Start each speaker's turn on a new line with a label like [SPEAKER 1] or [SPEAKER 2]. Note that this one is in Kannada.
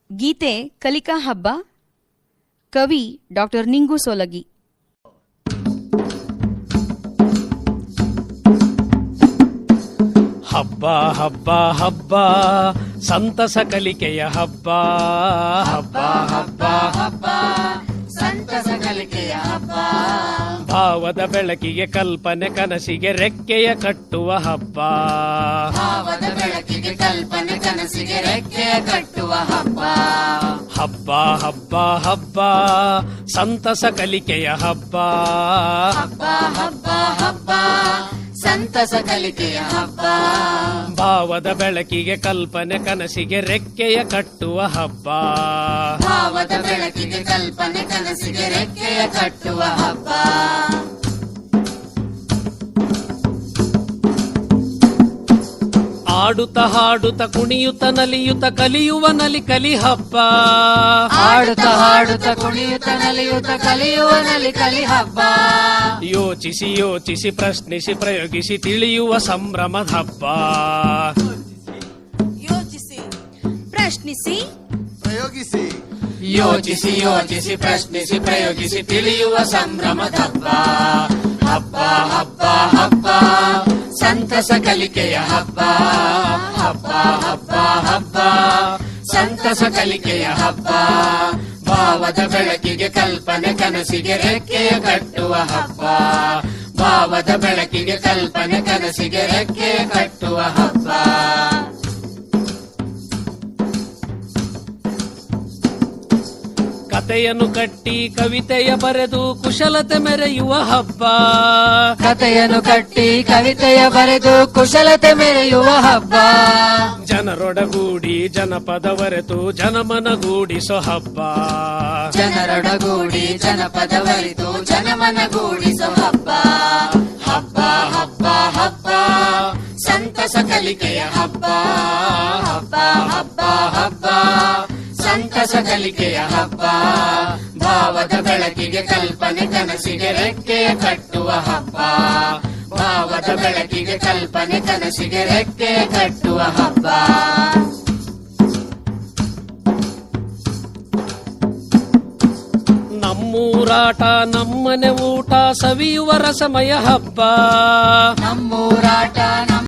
[SPEAKER 1] ಗೀತೆ ಕಲಿಕಾ ಹಬ್ಬ. ಕವಿ ಡಾಕ್ಟರ್ ನಿಂಗು ಸೋಲಗಿ.
[SPEAKER 2] ಹಬ್ಬ ಹಬ್ಬ ಹಬ್ಬ ಸಂತಸ ಕಲಿಕೆಯ ಹಬ್ಬ. ಹಬ್ಬ ಹಬ್ಬ ಹಬ್ಬ
[SPEAKER 3] ಸಂತಸ ಕಲಿಕೆಯ ಹಬ್ಬ.
[SPEAKER 2] ಭಾವದ ಬೆಳಕಿಗೆ ಕಲ್ಪನೆ ಕನಸಿಗೆ ರೆಕ್ಕೆಯ ಕಟ್ಟುವ ಹಬ್ಬ.
[SPEAKER 3] ಭಾವದ ಬೆಳಕಿಗೆ ಕಲ್ಪನೆ ಕನಸಿಗೆ ರೆಕ್ಕೆಯ ಕಟ್ಟುವ ಹಬ್ಬ.
[SPEAKER 2] ಹಬ್ಬ ಹಬ್ಬ ಹಬ್ಬ ಸಂತಸ ಕಲಿಕೆಯ ಹಬ್ಬ.
[SPEAKER 3] ಹಬ್ಬ ಹಬ್ಬ ಹಬ್ಬ ಸಂತಸ ಕಲಿಕೆಯ ಹಬ್ಬ.
[SPEAKER 2] ಭಾವದ ಬೆಳಕಿಗೆ ಕಲ್ಪನೆ ಕನಸಿಗೆ ರೆಕ್ಕೆಯ ಕಟ್ಟುವ ಹಬ್ಬ.
[SPEAKER 3] ಭಾವದ ಬೆಳಕಿಗೆ ಕಲ್ಪನೆ ಕನಸಿಗೆ ರೆಕ್ಕೆಯ ಕಟ್ಟುವ ಹಬ್ಬ.
[SPEAKER 2] ಆಡುತ್ತ ಹಾಡುತ್ತ ಕುಣಿಯುತ್ತ ನಲಿಯುತ್ತ ಕಲಿಯುವ ನಲಿ ಕಲಿ ಹಬ್ಬ.
[SPEAKER 3] ಆಡುತ್ತ ಹಾಡುತ್ತ ಕುಣಿಯುತ್ತ ನಲಿಯುತ್ತ ಕಲಿಯುವ ನಲಿ ಕಲಿ ಹಬ್ಬ.
[SPEAKER 2] ಯೋಚಿಸಿ ಯೋಚಿಸಿ ಪ್ರಶ್ನಿಸಿ ಪ್ರಯೋಗಿಸಿ ತಿಳಿಯುವ ಸಂಭ್ರಮದ ಹಬ್ಬ.
[SPEAKER 4] ಯೋಚಿಸಿ ಪ್ರಶ್ನಿಸಿ
[SPEAKER 5] ಪ್ರಯೋಗಿಸಿ
[SPEAKER 3] ಯೋಚಿಸಿ ಯೋಚಿಸಿ ಪ್ರಶ್ನಿಸಿ ಪ್ರಯೋಗಿಸಿ ತಿಳಿಯುವ ಸಂಭ್ರಮದ ಹಬ್ಬ. ಹಬ್ಬ ಹಬ್ಬ ಹಬ್ಬ ಸಂತಸ ಕಲಿಕೆಯ ಹಬ್ಬ. ಹಬ್ಬ ಹಬ್ಬ ಹಬ್ಬ ಸಂತಸ ಕಲಿಕೆಯ ಹಬ್ಬ. ಭಾವದ ಬೆಳಕಿಗೆ ಕಲ್ಪನೆ ಕನಸಿಗೆ ರೆಕ್ಕೆಯ ಕಟ್ಟುವ ಹಬ್ಬ. ಭಾವದ ಬೆಳಕಿಗೆ ಕಲ್ಪನೆ ಕನಸಿಗೆ ರೆಕ್ಕೆಯ ಕಟ್ಟುವ ಹಬ್ಬ.
[SPEAKER 2] ಕತೆಯನ್ನು ಕಟ್ಟಿ ಕವಿತೆಯ ಬರೆದು ಕುಶಲತೆ ಮೆರೆಯುವ ಹಬ್ಬ.
[SPEAKER 3] ಕತೆಯನ್ನು ಕಟ್ಟಿ ಕವಿತೆಯ ಬರೆದು ಕುಶಲತೆ ಮೆರೆಯುವ ಹಬ್ಬ.
[SPEAKER 2] ಜನರೊಡಗೂಡಿ ಜನಪದವರೆತು ಜನಮನಗೂಡಿಸೋ ಹಬ್ಬ.
[SPEAKER 3] ಜನರೊಡಗೂಡಿ ಜನಪದವರಿತು ಜನಮನಗೂಡಿಸೋ ಹಬ್ಬ. ಹಬ್ಬ ಹಬ್ಬ ಹಬ್ಬ ಸಂತಸ ಕಲಿಕೆಯ ಹಬ್ಬ. ಹಬ್ಬ ಹಬ್ಬ ಹಬ್ಬ ಸಂತಸ ಕಲಿಕೆಯ ಹಬ್ಬ. ಭಾವದ ಬೆಳಕಿಗೆ ಕಲ್ಪನೆ ಕನಸಿಗೆ ರೆಕ್ಕೆಯ ಕಟ್ಟುವ ಹಬ್ಬ. ಭಾವದ ಬೆಳಕಿಗೆ ಕಲ್ಪನೆ ಕನಸಿಗೆ ರೆಕ್ಕೆಯ ಕಟ್ಟುವ ಹಬ್ಬ.
[SPEAKER 2] ನಮ್ಮೂರಾಟ ನಮ್ಮನೆ ಊಟ ಸವಿಯುವ ರಸಮಯ ಹಬ್ಬ.
[SPEAKER 3] ನಮ್ಮೂರಾಟ